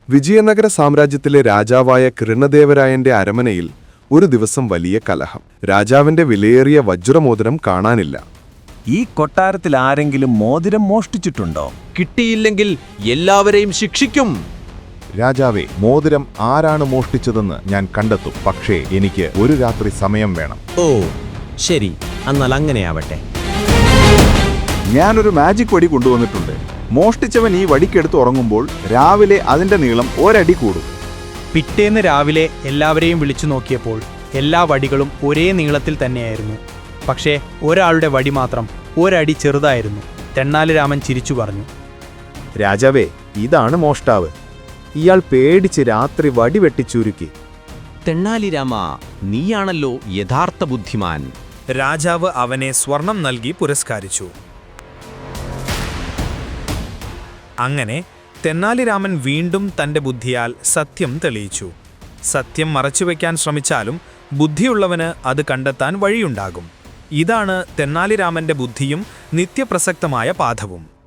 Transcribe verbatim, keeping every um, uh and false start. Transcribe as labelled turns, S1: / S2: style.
S1: വിജയനഗര സാമ്രാജ്യത്തിലെ രാജാവായ കൃഷ്ണദേവരായന്റെ അരമനയിൽ ഒരു ദിവസം വലിയ കലഹം. രാജാവിന്റെ വിലയേറിയ വജ്രമോതിരം കാണാനില്ല.
S2: ഈ കൊട്ടാരത്തിൽ ആരെങ്കിലും മോതിരം മോഷ്ടിച്ചിട്ടുണ്ടോ?
S3: കിട്ടിയില്ലെങ്കിൽ എല്ലാവരെയും ശിക്ഷിക്കും.
S4: രാജാവേ, മോതിരം ആരാണ് മോഷ്ടിച്ചതെന്ന് ഞാൻ കണ്ടെത്തും. പക്ഷേ എനിക്ക് ഒരു രാത്രി സമയം വേണം.
S3: ഓ ശരി, എന്നാൽ അങ്ങനെയാവട്ടെ.
S5: ഞാനൊരു മാജിക് വടി കൊണ്ടുവന്നിട്ടുണ്ട്. മോഷ്ടിച്ചവൻ ഈ വടിക്കെടുത്ത് ഉറങ്ങുമ്പോൾ രാവിലെ അതിന്റെ നീളം ഒരടി കൂടും.
S6: പിറ്റേന്ന് രാവിലെ എല്ലാവരെയും വിളിച്ചു നോക്കിയപ്പോൾ എല്ലാ വടികളും ഒരേ നീളത്തിൽ തന്നെയായിരുന്നു. പക്ഷേ ഒരാളുടെ വടി മാത്രം ഒരടി ചെറുതായിരുന്നു. തെന്നാലിരാമൻ ചിരിച്ചു പറഞ്ഞു,
S7: രാജാവേ, ഇതാണ് മോഷ്ടാവ്. ഇയാൾ പേടിച്ച് രാത്രി വടി വെട്ടിച്ചുരുക്കി.
S3: തെന്നാലിരാമ, നീയാണല്ലോ യഥാർത്ഥ ബുദ്ധിമാൻ.
S8: രാജാവ് അവനെ സ്വർണം നൽകി പുരസ്കരിച്ചു. അങ്ങനെ തെന്നാലിരാമൻ വീണ്ടും തന്റെ ബുദ്ധിയാൽ സത്യം തെളിയിച്ചു. സത്യം മറച്ചുവെക്കാൻ ശ്രമിച്ചാലും ബുദ്ധിയുള്ളവന് അത് കണ്ടെത്താൻ വഴിയുണ്ടാകും. ഇതാണ് തെന്നാലിരാമന്റെ ബുദ്ധിയും നിത്യപ്രസക്തമായ പാഠവും.